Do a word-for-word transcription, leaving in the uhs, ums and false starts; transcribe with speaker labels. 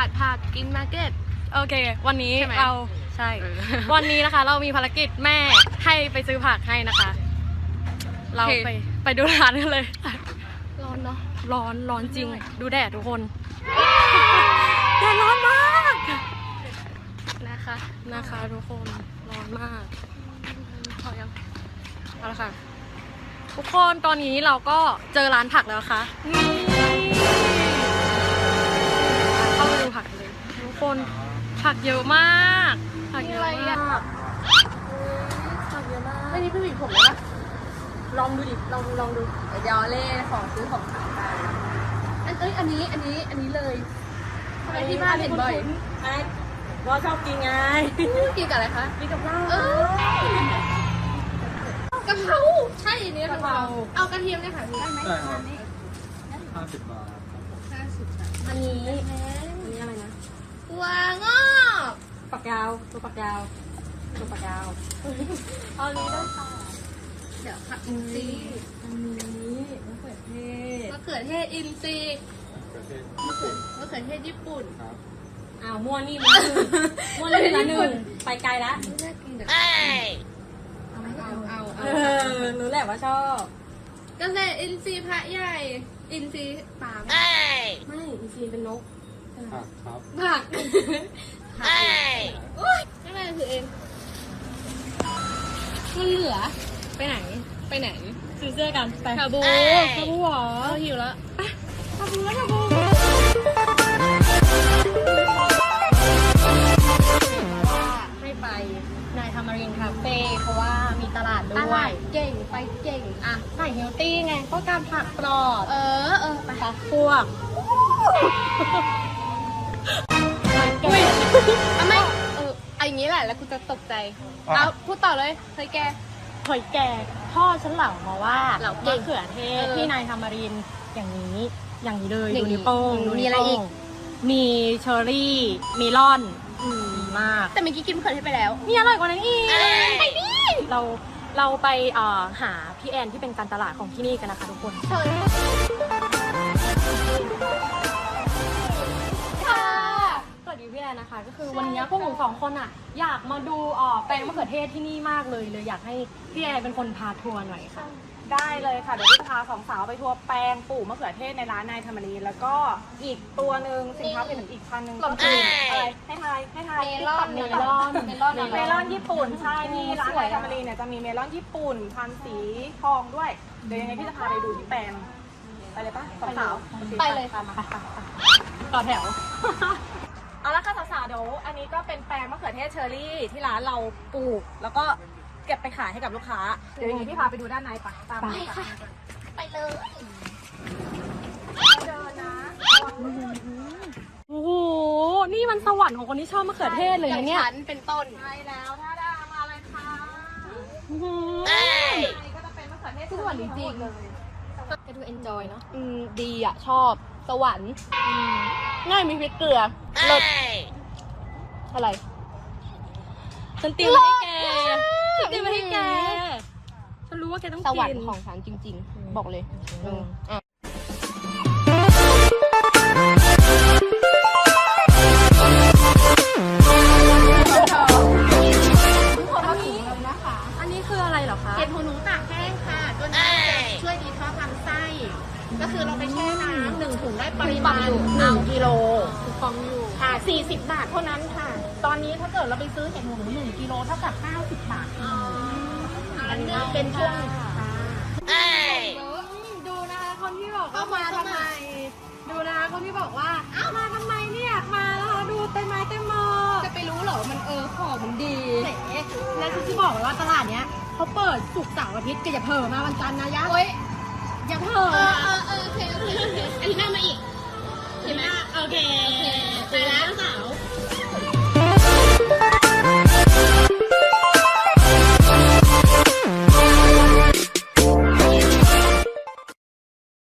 Speaker 1: ดผักกินมาร์เก็ต
Speaker 2: โอเควันนี้เราใช่ วันนี้นะคะ เรามีภารกิจแม่ให้ไปซื้อผักให้นะคะ เราไปไปดูร้านกันเลย
Speaker 1: ร้อนเนาะ
Speaker 2: ร้อนร้อนจริงดูแดดทุกคนแดดร้อนมาก
Speaker 1: นะคะ
Speaker 2: นะคะทุกคนร้อนมาก
Speaker 1: พอยัง
Speaker 2: เอาละค่ะทุกคนตอนนี้เราก็เจอร้านผักแล้วนะคะนี่เข้าไปดูผักเลยทุกคนผักเยอะมากผักเยอะมากผักเยอะมาก
Speaker 1: อันนี้เป็นหวีผมเลยปะ
Speaker 2: ลองดูดิลองลองดู
Speaker 1: เดี๋ยวเล่ของซื้อของขายกันอันเอ้ยอันนี้อันนี้อันนี้เลยทำไมที่บ้านเห็นบ่อย
Speaker 2: ไอ้ว่าชอบกินไง
Speaker 1: กินกับอะไรคะ
Speaker 2: กินกับข้าว
Speaker 1: กะเพราใช่เนื้อกะเพราเอากระเทียมเนี่ยค่ะได้ไหม
Speaker 3: ห้าสิบบาท
Speaker 1: ห้าสิบบาท
Speaker 2: อันนี้อันนี้อะไรนะ
Speaker 1: วางอก
Speaker 2: ปักยาวตัวปักยาวตัวปักยาวเอานี้ได้ค่ะ
Speaker 1: เดี๋ยวผักอินทรีย์
Speaker 2: อันนี้มะเขือเทศ
Speaker 1: มะเขือเทศอินทรีย์มะเขือมะเขือเทศญี่ปุ่น
Speaker 2: อ้าวมั่วนี่มามั่วนี่ละหนึ่งไปไกลแล้ว
Speaker 1: น่ากินเดี๋ยวเอาเอาเอา
Speaker 2: เออรู้แหละว่าชอบ
Speaker 1: เกษตรอินทรีย์พระใหญ่อินทรีย์ป่า
Speaker 2: ไม่อินทรีย์เป็นนก
Speaker 3: ผักครับ
Speaker 1: ผักผักโอ้ยนั่นแหละคือเองมันเหลือไปไหนไปไหน
Speaker 2: ซื้อเสื้อกันไป
Speaker 1: คาบู
Speaker 2: คาบูหรอ
Speaker 1: หิวแล้ว
Speaker 2: คาบูแล้วคาบูให้ไปนายทามารินคาเฟ่เพราะว่ามีตลาดด้วย
Speaker 1: เก่งไปเก่งอ่ะ
Speaker 2: ใส่เฮลตี้ไงก็การผักปลอด
Speaker 1: เออเออไป
Speaker 2: พวก
Speaker 1: อุ้ยไม่เออไอ้งี้แหละแล้วกูจะตกใจเอาพูดต่อเลยเฮ้ยแก
Speaker 2: หอยแกงพ่อฉันเหล่ามาว่า
Speaker 1: เหล่าม
Speaker 2: ะเขือเทศที่นายทามารินอย่างนี้อย่างนี้เลยดูนิ้วโป้งดู
Speaker 1: มีอะไรอีก
Speaker 2: มีเชอร์รี่มีลอนดีมาก
Speaker 1: แต่เมื่อกี้กินมะเขือเทศไปแล้ว
Speaker 2: มีอร่อยกว่านั้นอีกไปดิเราเราไปหาพี่แอนที่เป็นการตลาดของที่นี่กันนะคะทุกคนสวัสดีพี่แอนนะคะก็คือวันนี้พวกหนูสองคนอ่ะอยากมาดูแปลงมะเขือเทศที่นี่มากเลยเลยอยากให้พี่แอนเป็นคนพาทัวร์หน่อยค่ะ
Speaker 4: ได้เลยค่ะเดี๋ยวพี่จะพาสองสาวไปทัวร์แปลงปลูกมะเขือเทศในร้านนายธรรมรีแล้วก็อีกตัวหนึ่งสินค้าเป็นอีกพันหนึ่งก็คืออะไรให้ทายให้ทาย
Speaker 1: เมลอน
Speaker 4: เมลอน
Speaker 1: เมลอน
Speaker 4: เมลอนญี่ปุ่นใช่ที่ร้านนายธรรมรีเนี่ยจะมีเมลอนญี่ปุ่นพันสีทองด้วยเดี๋ยวยังไงพี่จะพาไปดูที่แปลงไปเลยปะสองสาว
Speaker 1: ไปเลยค่ะมา
Speaker 2: ต่อแถว
Speaker 4: เอาละค่ะสาวๆเดี๋ยวอันนี้ก็เป็นแปลงมะเขือเทศเชอร์รี่ที่ร้านเราปลูกแล้วก็เก็บไปขายให้กับลูกค้าเดี๋ยวยังไงพี่พาไปดูด้านในปะตามไป
Speaker 1: ค่ะไปเลย
Speaker 4: เดินนะ
Speaker 2: โอ้โหนี่มันสวรรค์ของคนที่ชอบมะเขือเทศเลยนะเนี่ย
Speaker 1: ฉันเป็นต้น
Speaker 4: ใช่แล้วถ้าได้มาเลยค่ะก็จะเป็นมะเขือเทศ
Speaker 1: สวรรค์จริงเลยก็ดูเอนจอยเนาะ
Speaker 2: อืมดีอ่ะชอบสวรรค์ง่ายมีพริกเกลือรสอะไรฉันเตรียมมาให้แกฉันเตรียมมาให้แกฉันรู้ว่าแกต้องกิน
Speaker 1: สวรรค์ของฉันจริงๆบอกเลยอ่ะ
Speaker 2: อันนี้คืออะไรเหรอคะ
Speaker 1: เห็ดหูหนูตากแห้งค่ะตัวนี้จะช่วยดีท็อกซ์ลำไส้ก็คือเราไปแช่น้ำหนึ่งถุงได้ปริมาณหนึ่งกิโล
Speaker 2: ฟองอยู่
Speaker 4: ค่ะสี่สิบบาทเท่านั้นค่ะตอนนี้ถ้าเกิดเราไปซื้อเห็ดหูหนูหนึ่งกิโลเท่ากับห้าสิบบาท
Speaker 1: อันนี้
Speaker 4: เป็นช่วง
Speaker 2: ดูนะคะคนที่บอกว่ามาทำไมดูนะคะคนที่บอกว่าอ้าวมาทำไมเนี่ยมาแล้วดูเต็มไม้เต็มมือ
Speaker 1: จะไปรู้เหรอมันเออของมันดี
Speaker 2: และฉันจะบอกเลยว่าตลาดเนี้ยเขาเปิดศุกร์เสาร์อาทิตย์ก็อย่าเผลอมาวันจันทร์นะยะ
Speaker 1: โอ๊ย
Speaker 2: อย่าเผลอ
Speaker 1: เออเออเออโอเคโอเคโอเคอันนี้น่ามาอีก
Speaker 2: เห็นไหมโอเค